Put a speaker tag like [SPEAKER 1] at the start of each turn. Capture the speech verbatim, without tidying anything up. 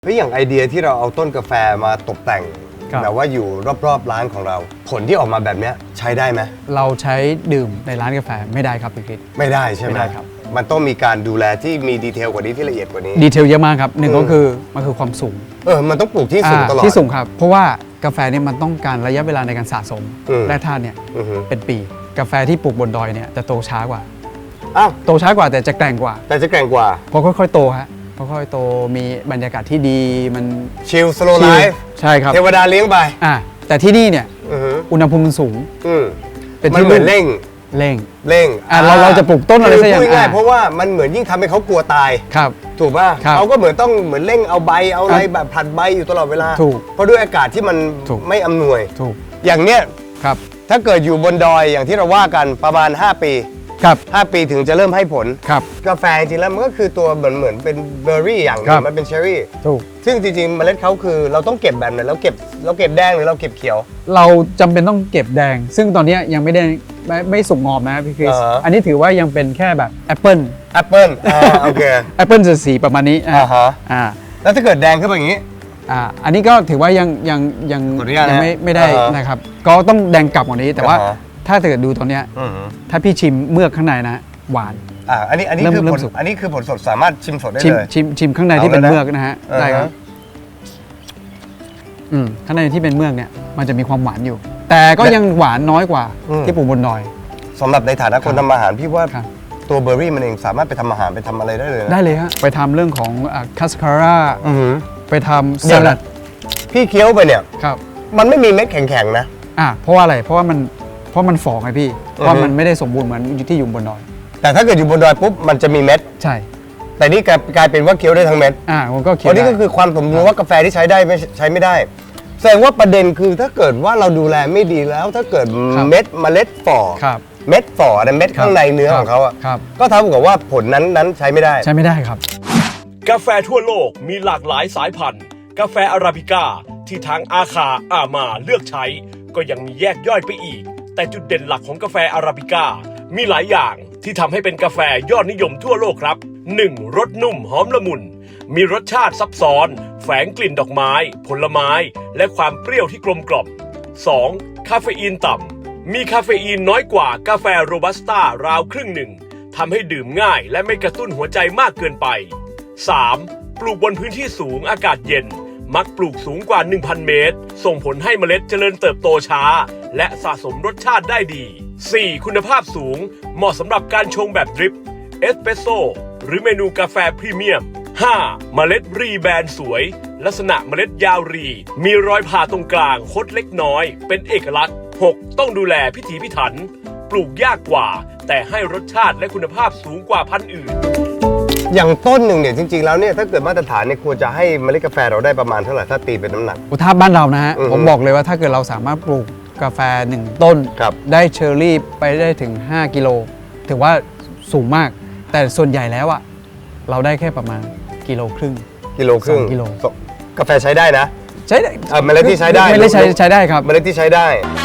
[SPEAKER 1] เฮ้ยอย่างไอเดียที่เราเอาต้นกาแฟมาตกแต่งแบบว่าอยู่รอบๆร้านของเราผลที่ออกมาแบบนี้ใช้ได้ไหม
[SPEAKER 2] เราใช้ดื่มในร้านกาแฟไม่ได้ครับพี่คริส
[SPEAKER 1] ไม่ได้ใช่ไหม
[SPEAKER 2] ไม่ได้ครับ
[SPEAKER 1] มันต้องมีการดูแลที่มีดีเทลกว่านี้ที่ละเอียดกว่านี้
[SPEAKER 2] ดีเทลเยอะมากครับหนึ่งก็คือมันคือความสูง
[SPEAKER 1] เออมันต้องปลูกที่สูงตลอด
[SPEAKER 2] ที่สูงครับเพราะว่ากาแฟเนี่ยมันต้องการระยะเวลาในการสะสมแร่ธาตุเนี่ยเป็นปีกาแฟที่ปลูกบนดอยเนี่ยจะโตช้ากว่า
[SPEAKER 1] อ้าว
[SPEAKER 2] โตช้ากว่าแต่จะแกร่งกว่า
[SPEAKER 1] แต่จะแกร่งกว่า
[SPEAKER 2] เพราะค่อยๆโตฮะค่อยๆโตมีบรรยากาศที่ดีมัน
[SPEAKER 1] ชิลสโลว์ไลฟ์
[SPEAKER 2] ใช่ครับ
[SPEAKER 1] เทวดาเลี้ยงไป
[SPEAKER 2] อ่าแต่ที่นี่เนี่ยอุณหภูมิมันสูง
[SPEAKER 1] เป็นที่เหมือนเร่ง
[SPEAKER 2] เร่ง
[SPEAKER 1] เร่ง
[SPEAKER 2] อ่าเราเราจะปลูกต้นอะไรสักอย่าง
[SPEAKER 1] ง่ายเพราะว่ามันเหมือนยิ่งทำให้เขากลัวตาย
[SPEAKER 2] ครับ
[SPEAKER 1] ถูกป่ะเขาก็เหมือนต้องเหมือนเร่งเอาใบเอาอะไรแบบผลัดใบอยู่ตลอดเวลา
[SPEAKER 2] ถูก
[SPEAKER 1] เพราะด้วยอากาศที่มันไม่อำนวย
[SPEAKER 2] ถูก
[SPEAKER 1] อย่างเนี้ย
[SPEAKER 2] ครับ
[SPEAKER 1] ถ้าเกิดอยู่บนดอยอย่างที่เราว่ากันประมาณห้าปี
[SPEAKER 2] ครับ
[SPEAKER 1] ห้าปีถึงจะเริ่มให้ผล
[SPEAKER 2] ครับ
[SPEAKER 1] กาแฟจริงๆแล้วมันก็คือตัวเหมือนเหมือนเป็นเบอร์รี่อย่างนึงมันเป็นเชอร์รี่
[SPEAKER 2] ถูก
[SPEAKER 1] ซึ่งจริงๆเมล็ดเขาคือเราต้องเก็บแบบไหนเราเก็บเราเก็บแดงหรือเราเก็บเขียว
[SPEAKER 2] เราจำเป็นต้องเก็บแดงซึ่งตอนนี้ยังไม่ได้ไม่ไม่สุกงอมนะพี่คริสอันนี้ถือว่ายังเป็นแค่แบบแอปเปิล
[SPEAKER 1] แอปเปิลอ่าโอเค
[SPEAKER 2] แอปเปิลจะสีประมาณนี้
[SPEAKER 1] อ่าฮะ
[SPEAKER 2] อ่า
[SPEAKER 1] แล้วถ้าเกิดแดงขึ้นมาอย่างนี้
[SPEAKER 2] อ่าอันนี้ก็ถือว่ายังยังยัง
[SPEAKER 1] ยัง
[SPEAKER 2] ไม่ไม่ได้นะครับก็ต้องแดงกลับกว่านี้แต่ว่าถ้าเกิดดูตอนเนี้ยถ้าพี่ชิมเมือกข้างในนะหวาน
[SPEAKER 1] อ่าอันนี้อันนี้คือผลอันนี้คือผลสดสามารถชิมสดได้เลย
[SPEAKER 2] ชิมชิมข้างในที่เป็นเมือกนะฮะได้ครับอืมข้างในที่เป็นเมือกเนี่ยมันจะมีความหวานอยู่แต่ก็ยังหวานน้อยกว่าที่ปลูกบนดอย
[SPEAKER 1] สำหรับในฐานะคนทำอาหารพี่ว่าตัวเบอร์รี่มันเองสามารถไปทำอาหารไปทำอะไรได้เลย
[SPEAKER 2] ได้เลยฮะไปทำเรื่องของคัสคาร่าไปทำสลัด
[SPEAKER 1] พี่เคี้ยวไปเนี่ย
[SPEAKER 2] ครับ
[SPEAKER 1] มันไม่มีเม็ดแข็งๆนะ
[SPEAKER 2] อ่าเพราะว่าอะไรเพราะว่ามันเพราะมันฝ่อไงพี่เพราะมันไม่ได้สมบูรณ์เหมือนที่อยู่บนดอย
[SPEAKER 1] แต่ถ้าเกิดอยู่บนดอยปุ๊บมันจะมีเม็ด
[SPEAKER 2] ใช่
[SPEAKER 1] แต่นี่กลายเป็นว่าเคี้ยวได้ทั้งเม็ด
[SPEAKER 2] อ่าผมก็เคี้ยว
[SPEAKER 1] อันนี้ก็คือความสมบูรณ์ว่ากาแฟที่ใช้ได้ไม่ใช้ไม่ได้แสดงว่าประเด็นคือถ้าเกิดว่าเราดูแลไม่ดีแล้วถ้าเกิดเม็ดเมล็ดฝ่อเม็ดฝ่อในเม็ดข้างในเนื้อของเขาอ่ะก็เท่ากับว่าผลนั้นนั้นใช้ไม่ได้
[SPEAKER 2] ใช้ไม่ได้ครับ
[SPEAKER 3] กาแฟทั่วโลกมีหลากหลายสายพันธุ์กาแฟอาราบิก้าที่ทางอาคาอามาเลือกใช้ก็ยังมีแยกย่อยไปอีกแต่จุดเด่นหลักของกาแฟอาราบิก้ามีหลายอย่างที่ทำให้เป็นกาแฟยอดนิยมทั่วโลกครับ หนึ่ง. รสนุ่มหอมละมุนมีรสชาติซับซ้อนแฝงกลิ่นดอกไม้ผลไม้และความเปรี้ยวที่กลมกล่อม สอง. คาเฟอีนต่ำมีคาเฟอีนน้อยกว่ากาแฟโรบัสต้าราวครึ่งหนึ่งทำให้ดื่มง่ายและไม่กระตุ้นหัวใจมากเกินไป สาม. ปลูกบนพื้นที่สูงอากาศเย็นมักปลูกสูงกว่า หนึ่งพัน เมตรส่งผลให้เมล็ดเจริญเติบโตช้าและสะสมรสชาติได้ดี สี่. คุณภาพสูงเหมาะสำหรับการชงแบบดริปเอสเปรสโซ่หรือเมนูกาแฟพรีเมียม ห้า. เมล็ดรีแบนสวยลักษณะเมล็ดยาวรีมีรอยผ่าตรงกลางคดเล็กน้อยเป็นเอกลักษณ์ หก. ต้องดูแลพิถีพิถันปลูกยากกว่าแต่ให้รสชาติและคุณภาพสูงกว่าพันธุ์อื่น
[SPEAKER 1] อย่างต้นหนึ่งเนี่ยจริงๆแล้วเนี่ยถ้าเกิดมาตรฐานเนี่ยควรจะให้เมล็ดกาแฟเราได้ประมาณเท่าไหร่ถ้าตีเป็นน้ำหนัก
[SPEAKER 2] ถ้าบ้านเรานะฮะผมบอกเลยว่าถ้าเกิดเราสามารถปลูกกาแฟหนึ่งต้นได้เชอร์รี่ไปได้ถึงห้ากิโลถือว่าสูงมากแต่ส่วนใหญ่แล้วอะเราได้แค่ประมาณกิโลครึ่ง
[SPEAKER 1] กิโลครึ่ง
[SPEAKER 2] กิโล
[SPEAKER 1] กาแฟใช้ได้นะ
[SPEAKER 2] ใช้ได้
[SPEAKER 1] เมล็ดที่ใช้ได้
[SPEAKER 2] เมล็ดใช้ใช้ได้ครับ
[SPEAKER 1] เมล็ดที่ใช้ได้